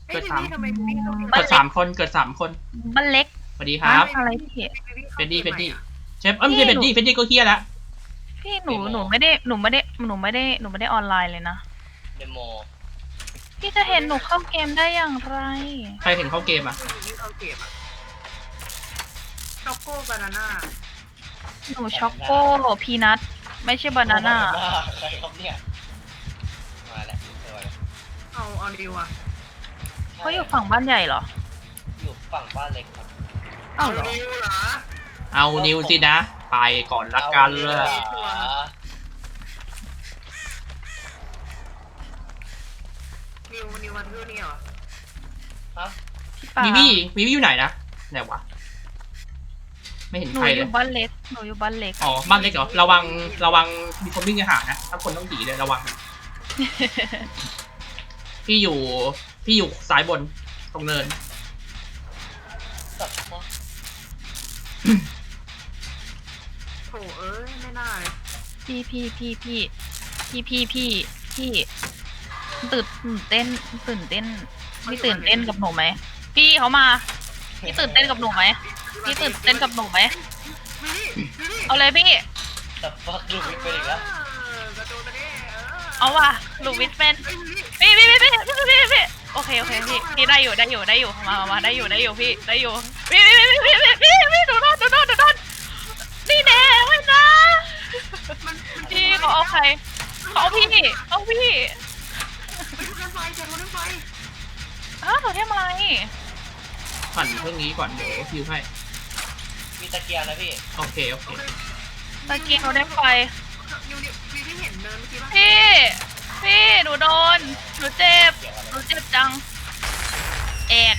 เกิดสามบ้านเล็กเกิดสามคนบ้านเล็กสวัสดีครับอะไรพี่เฟดดี้เชฟไม่ใช่เฟดดี้ก็เฮียละพี่หนูไม่ได้ออนไลน์เลยนะเดโมพี่จะเห็นหนูเข้าเกมได้อย่างไรใครเห็นเข้าเกมอ่ะช็อกโกบานาน่าหนูช็อกโกพีนัทไม่ใช่บานาน่าใครครับเนี่ยมาแล้วเจอแล้วเอาดิวอ่ะเขาอยู่ฝั่งบ้านใหญ่เหรออยู่ฝั่งบ้านเล็กครับอ้าวเหรอดิวเหรอเอานิวสินะไปก่อนละกันเลยนิวมาเที่ยวนี่เหรอฮะพี่ปาวิวี่อยู่ไหนนะไหนวะไม่เห็นหนูใครอเลยยู่บ้านเล็กหนูอยู่บ้านเล็กอ๋อบ้านเล็กเหรอระวังมีคนวิ่งไปหานะถ้าคนต้องหนีเลยระวัง พี่อยู่ซ้ายบนตรงเนินตัดว่าโถเอ้ยไม่น่าเลยพี่ตื่นเต้นพี่ตื่นเต้นกับหนูไหมพี่เขามาพี่ตื่นเต้นกับหนูไหมพี่ตื่นเต้นกับหนูไหมวินี่เอาเลยพี่ตัดฟักลูกวิทย์ไปอีกแล้วกระโดดไปดิเอาว่ะลูวิสเป็นพี่โอเคพี่ได้อยู่มาได้อยู่พี่ได้อยู่พี่ดูโดนนี่แน่ไว้นะพี่เขาเอาใครเขาเอาพี่ไปรถไฟเจอรถไฟอ้าวเขาทำอะไรปั่นเครื่องนี้ก่อนเดี๋ยวคิวให้มีตะเกียงนะพี่โอเคตะเกียงเขาได้ไฟนิวพี่เห็นเดินเมื่อกี้ป่ะพี่หนูโดนหนูเจ็บจังแอก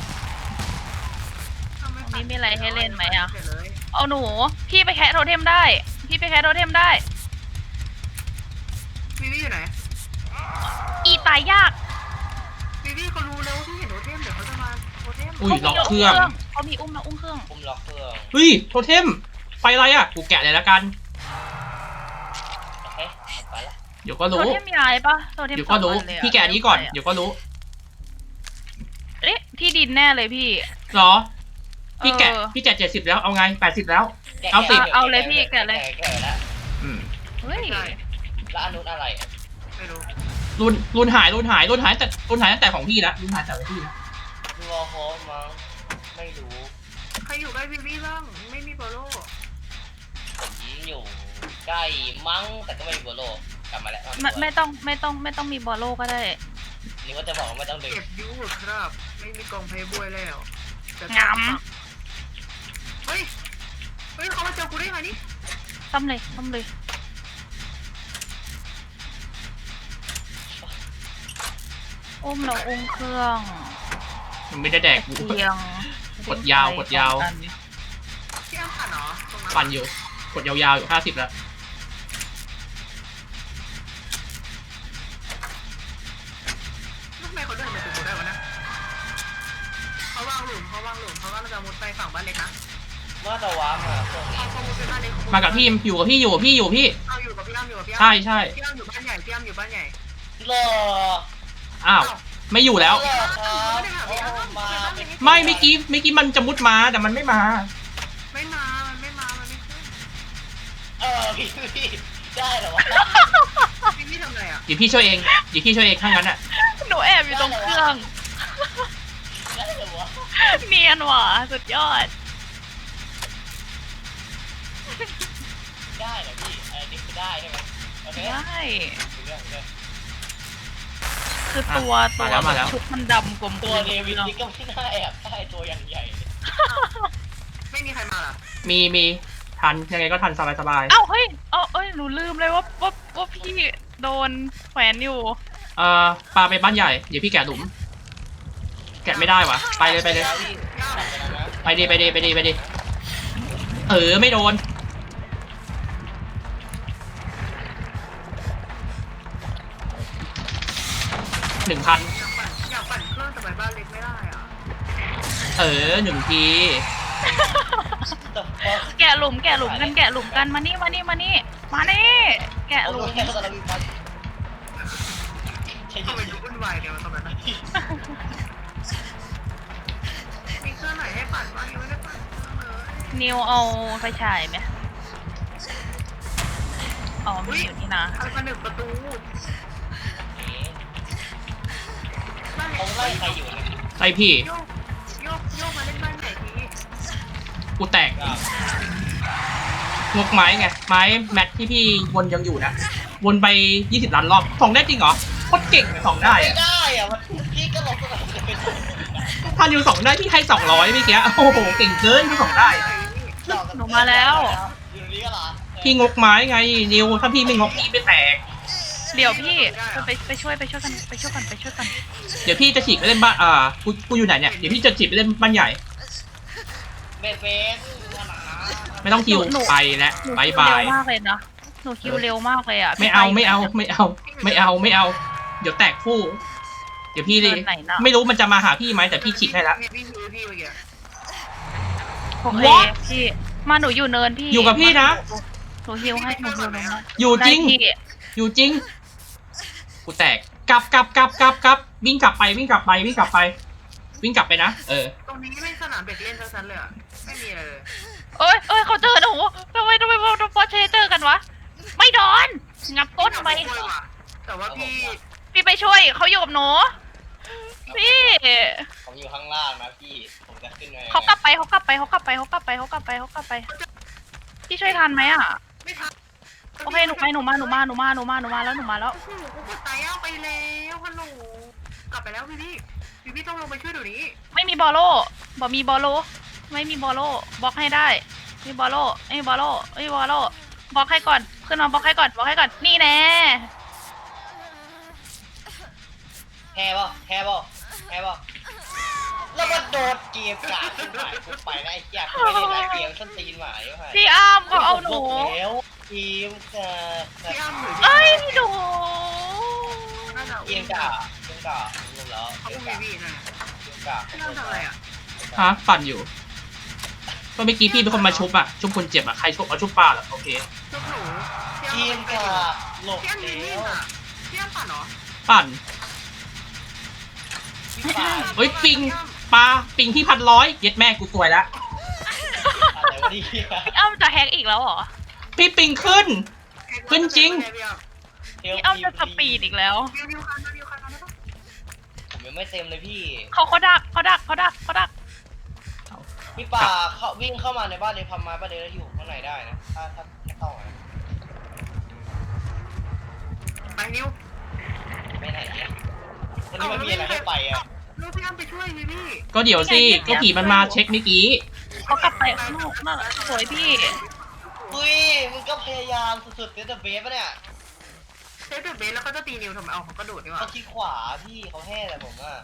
นี่มีอะไรให้เล่นไหมอ่ะเอาหนูพี่ไปแคะโทเทมได้วิวี่อยู่ไหนอีตายยากวิวี่เขารู้แล้วว่าพี่เห็นโทเทมเดี๋ยวเขาจะมาโทเทมอุ้ยล็อกเครื่องเขามีอุ้มเครื่องปุ่มล็อกเครื่องเฮ้ยโทเทมไปอะไรอ่ะกูแกะเลยละกันโอเคไปละเดี๋ยวก็โทรู้เทมย้ายปะโทเทมเดี๋ยวก็รู้สองอันเลยอะพี่แกะนี้ก่อนเดี๋ยวก็รู้เอ๊ะที่ดินแน่เลยพี่เหรอพี่แกะ70แล้วเอาไง80แล้ว เอาสิเอาเลยพี่แกะเลยแกะแล้วอืมเฮ้ยแล้วอันนู้นอะไรอ่ะไม่รู้รุ่นหายตั้งแต่ของพี่ละรุ่นหายแต่ของพี่ละดูวอลโฮมมั้งไม่รู้ใครอยู่ใกล้วิวี่บ้างไม่มีโปโลผมอยู่ใกล้มั้งแต่ก็ไม่มีโบโลกลับมาแล้วไม่ต้องมีบอลโลก็ได้นี่ว่าจะบอกว่าไม่ต้องดึงเก็บยูครับไม่มีกองเพย์บวยแล้วงามเฮ้ยเขามาเจอกูได้ไงนี่ต้มเลยอุ้มเราอุ้มเครื่องมันไม่ได้แดกกูเตียงกดยาวพี่อ้ำปั่นเหรอตรงนั้นปั่นอยู่กดยาวๆอยู่50แล้วทำไมเขาเดินมาถึงกูได้วะนะเขาวางหลุมเขาว่าเราจะมุดไปฝั่งบ้านเล็กนะเมื่อตะวันมาพวกนี้เขามุดไปบ้านเล็กมากับพี่อยู่กับพี่เอาอยู่กับพี่อ้ำพี่อ้ำใช่พี่อ้ำอยู่บ้านใหญ่รออ้าวไม่อยู่แล้วรอครับโอ้มาเป็นไม่เมื่อกี้มันจะมุดมาแต่มันไม่มามันไม่ขึ้นพี่ได้เหรอวะพี่ทำไรอ่ะเดี๋ยวพี่ช่วยเองถ้างั้นอ่ะหนูแอบอยู่ตรงเครื่องได้เหรอวะเนียนว่ะสุดยอดได้เหรอพี่อันนี้คือได้ใช่ไหมโอเคได้เรื่องคือตัวมาแล้วชุดมันดำกลมตัวเดวิดนี่ก็ไม่น่าแอบได้ตัวอย่างใหญ่ไม่มีใครมาเหรอมีทันยังไงก็ทันสบายเอ้าเฮ้ยหนูลืมเลยว่าพี่โดนแขวนอยู่ปลาไปบ้านใหญ่เดี๋ยวพี่แกะหลุม แกะไม่ได้วะไปเลยย่าไปดิไม่โดน1,000 อยากปั่นเครื่องแต่ไปบ้านเล็กไม่ได้อ่ะ 1 ทีแกะหลุมกันมานี่แกะหลุมใช่ทำไมดูวุ่นวายเนี่ยตอนนั้นนะนิวเอาไฟฉายไหมอ๋อมีอยู่นี่นะเอาผนึกประตูเอ๊ะบ้านเขาไล่ใครอยู่เนี่ยไอพี่โยกมาเล่นบ้านใหญ่ทีกูแตกก็งกไม้ไงไม้แมทที่พี่วนยังอยู่นะวนไป20 ล้านรอบส่องได้จริงเหรอโคตรเก่งเลยส่องได้ไม่อะได้อะมันพี่ก็ลงสนามจะเป็นถ้านิวส่องได้พี่ให้200เมื่อกี้โอ้โหเก่งเกินพี่ส่องได้หนูมาแล้วอยู่นี่ก็เหรอพี่งกไม้ไงนิวถ้าพี่ไม่งกพี่ไม่แตกเดี๋ยวพี่ไปช่วยกันเดี๋ยวพี่จะฉีกไปเล่นบ้านกูอยู่ไหนเนี่ยเดี๋ยวพี่จะฉีกไปเล่นบ้านใหญ่เบสเบสมาหนาไม่ต้องคิวไปแล้วหนูบายคิวบาเร็ยวมากเลยนะหนูคิวเร็วมากเลยอ่ะไม่เอา เดี๋ยวแตกคู่ เดี๋ยวพี่เลยไหนนะไม่รู้มันจะมาหาพี่ไหมแต่พี่ฉีกให้แล้วพี่เมื่อกี้โอเค What? พี่มาหนูอยู่เนินพี่อยู่กับพี่นะหนูฮิวให้หนูฮิวลงมาอยู่จริงได้พี่อยู่จริง กูแตกกลับวิ่งกลับไปนะตรงนี้ไม่สนามเด็กเล่นทั้งนั้นเลยอ่ะไม่มีอะไรเลยเอ้ยเขาเจอหนูทำไมพอเชเจอกันวะไม่โดนงับต้นทำไมแต่ว่าพี่พี่ไปช่วยเขาอยู่กับหนูพี่ผมอยู่ข้างล่างนะพี่ผมจะขึ้นไปเขากลับไปพี่ช่วยทันไหมอ่ะไม่ทันโอเคหนูมาแล้วโอ้โหกูกดตายเอาไปแล้วฮัลโหลกลับไปแล้วพี่ต้องลงไปช่วยเดี๋ยวนี้ไม่มีบอลโลบอกมีบอลโลไม่มีบอลโลบล็อกให้ได้มีบอลโลไม่มีบอลโลบล็อกให้ก่อนขึ้นมาบล็อกให้ก่อนนี่แน่แฮ่ป่ะแล้วมันโดดเกมกาดขึ้นหมายกูไปได้ไอ้เหี้ยกูไม่ได้ไล่เกมส้นตีนหมายว่าพี่อ้ามก็เอาหนูแล้วเกมกาดพี่อ้ำหรือเอ้ยหนูน่าจะเกมกาดรู้แล้วเขาเกอุ้มมกาดพี่นะเกมกาดพี่อ้ำทำอะไรอ่ะฮะปั่นอยู่ก็เมื่อกี้พี่เป็นคนมาชุบคนเจ็บใครชุบเอาชุบปลาเหรอโอเคชุบหนูเกมกาดหลบพี่อ้ำมีแล้มีดวอ่ะพี่อ้ำปั่นเหรอปั่นพี่ป่าเฮ้ยปิงพี่1,100เย็ดแม่กูสวยแล้วอะไรวะเนี่ยพี่อ้ำจะแฮกอีกแล้วเหรอพี่ปิงขึ้น ขึ้นจริงพี่อ้ำจะสปีดอีกแล้ววิวคันได้ปะผมยังไม่เต็มเลยพี่เขาดักพี่ป่าเขาวิ่งเข้ามาในบ้านเลยพัมมาบ้านเลยแล้วอยู่ข้างในได้นะถ้าเข้ามาไปนิวไม่ไหนเนี่ยวันนี้มันมีอะไรให้ไปอ่ะลูกพี่อ้ำไปช่วยพี่ก็เดี๋ยวสิก็ผีมันมาเช็คเมื่อกี้เขากลับไปข้างนอกน่ะสวยพี่อุ้ยมึงก็พยายามสุดๆเดอะเบสปะเนี่ยเซฟเดอะเบสแล้วก็จะตีนิวทำไมเอาเขากระโดดดีกว่าเขาขี้ขวาพี่เขาแห่แต่ผมอ่ะ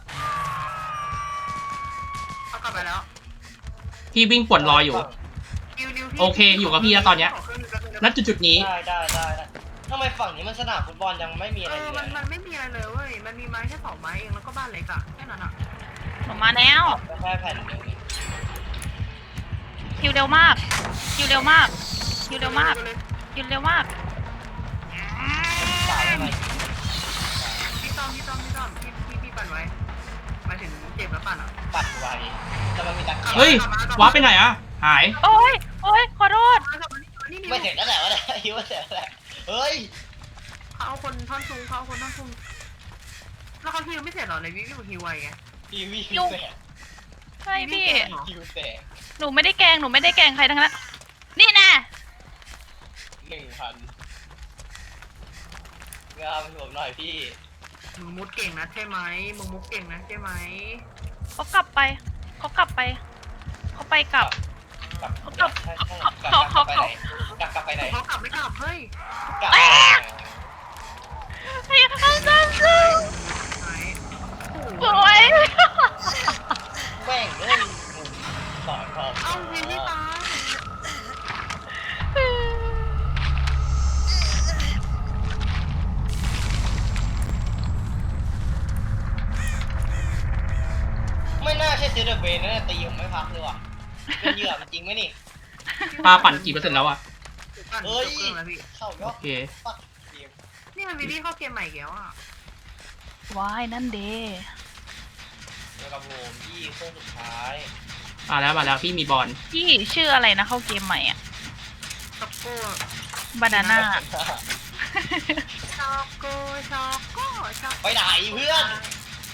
เอากลับไปแล้วพี่วิ่งป่วนรออยู่นิวโอเคอยู่กับพี่แล้วตอนเนี้ย ณจุดนี้ได้ทำไมฝั่งนี้มันสนามฟุตบอลยังไม่มีอะไรเลยมันไม่มีอะไรเลยเว้ยมันมีไม้แค่2ไม้เองแล้วก็บ้านเล็กอะแค่นั้นอะหนูมาแล้วแค่แผ่นเดียวนี่คิวเร็วมากป่าอะไรพี่ต้อมพี่ปั่นไว้หมายถึงเจ็บแล้วปั่นอะปัดไว้แต่มันมีตะเกียบเฮ้ยว้าร์ปไปไหนหายโอ้ยขอโทษไม่เสร็จแล้วแหละวะเนี่ยคิดว่าเสร็จแล้วแหละเฮ้ยเขาเอาคนท่อนซุงแล้วเขาฮิวไม่เสร็จหรอในวิวฮิวไวไงทีวีแสกใช่พี่คิวแสกหนูไม่ได้แกล้งใครทั้งนั้น นี่แน่ 1,000งามให้ผมหน่อยพี่มึงมุดเก่งนะใช่ไหมมึงมุดเก่งนะใช่ไหมเขากลับไป เขาไปกลับกลับไปไหนกลับไปไหนเขากลับไม่กลับเฮ้ยกลับเฮ้ยเอาจังไหนโอ้ยแม่งเลยสอนพอเอาวิวไม่ตายไม่น่าใช่เซเดอร์เบนนะตีผมไม่พักเลยว่ะเป็นเหยื่อจริงไหมนี่ปลาปั่นกี่เปอร์เซ็นต์แล้วอะเฮ้ยเครื่องแล้วพี่เข้ายโออดเคปักเกมนี่มันวิลลี่เข้าเกมใหม่อีกแล้วอ่ะว้ายนั่นเดแล้วกับผมที่เครื่องสุดท้ายมาแล้วพี่มีบอลพี่ชื่ออะไรนะเข้าเกมใหม่อ่ะช็อกโก้บานาน่าช็อกโก้ช็อกโก้ช็อกไปไหนเพื่อนโอ้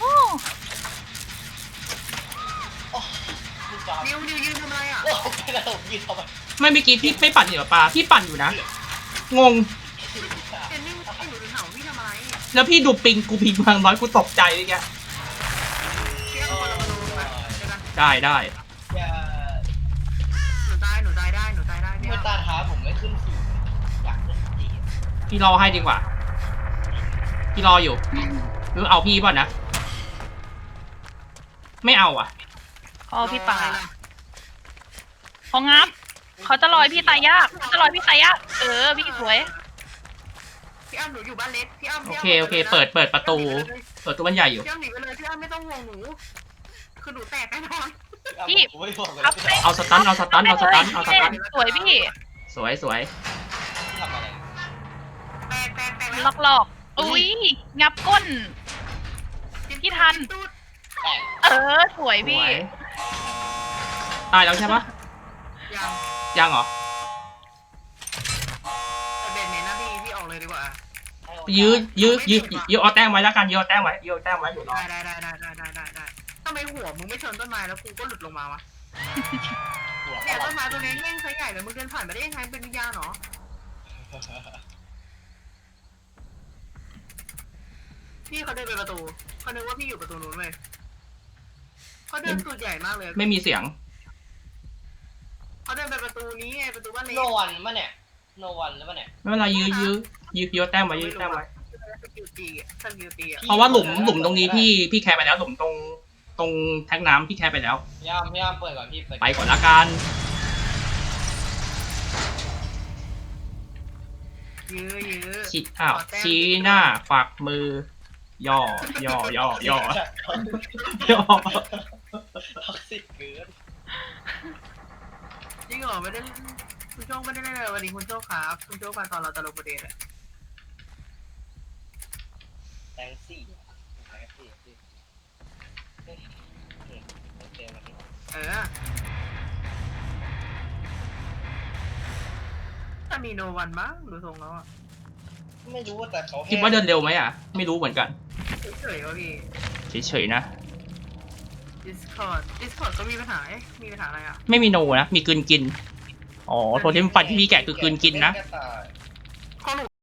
โอ้ลูกจอมนิวยืนทำอะไรอ่ะโอ้ไม่ได้ผมยืนทำไมไม่เมื่อกี้พี่ไม่ปั่นอยู่กับปลาพี่ปั่นอยู่นะงงเจนนี่ไอ้หนูถึงถามพี่ทำอะไรแล้วพี่ดูปิงกูพิงบางน้อยกูตกใจเลยแกเที่ยงคนละมาดูมาเจอกันได้อย่าหนูตายได้พี่เมื่อตาท้าผมไม่ขึ้นสี่อยากขึ้นสี่พี่รอให้ดีกว่าพี่รออยู่หรือเอาพี่ป่ะนะไม่เอาอ่ะอ๋อพี่ป่าเขางับเขาจะลอยพี่ตายยากเขาจะลอยพี่ตายยากพี่สวยพี่อ้ำหนูอยู่บ้านเล็กพี่อ้ำโอเคเปิดประตูบ้านใหญ่อยู่พี่อ้ำหนีไปเลยพี่อ้ำไม่ต้องห่วงหนูคือหนูแตกแน่นอนผมไม่บอกเลยครับเอาสตันสวยพี่สวยทำอะไรแตกแล้วหลอกอุ้ยงับก้น พี่ทันแต่สวยสพี่วยตายแล้วใช่ปะยังยังเหรอแต่เบนเมนนะพี่ออกเลยดีกว่ายื้อเอาแต้มไว้แล้วกันยื้อเอาแต้มไว้อยู่รอได้ทำไมหัวมึงไม่ชนต้นไม้แล้วกูก็หลุดลงมาวะหัวเนี่ยต้นไม้ตัวนี้แง่งไซส์ใหญ่เลยมึงเดินผ่านไปได้ยังไงเป็นวิญญาณเหรอพี่เขาเดินไปประตูเขานึกว่าพี่อยู่ประตูนู้นเลยเขาเดินตูดใหญ่มากเลยไม่มีเสียงเขาเดินไปประตูนี้ไงประตูบ้านเล็กโนวันมั้เนี่ยโนวันแล้วมั้เนี่ยไม่เป็นไรยื้อเอาแต้มไว้สกิลตีอ่ะเพราะว่าหลุมตรงนี้พี่แคร์ไปแล้วหลุมตรงแทงน้ำพี่แคร์ไปแล้วพยายามเปิดก่อนพี่เปิดไปก่อนละกันยื้อชี้หน้าฝักมือย่อท็อกซิกเกินจริงเหรอไม่ได้คุณโจ้ไม่ได้เล่นเลยวันนี้คุณโจ้ครับคุณโจ้มาตอนเราตลกประเด็นอะแตงซี่โอเควันนี้ถ้ามีโนวันมั้งดูทรงแล้วอ่ะไม่รู้ว่าแต่เขาคิดว่าเดินเร็วไหมอ่ะไม่รู้เหมือนกันเฉยๆวะพี่เฉยๆนะ Discord ก็มีปัญหามีปัญหาอะไรอ่ะไม่มีโนนะมีกลืนกินอ๋อโทเทมฟันที่พี่แกะคือกลืนกินนะของหนู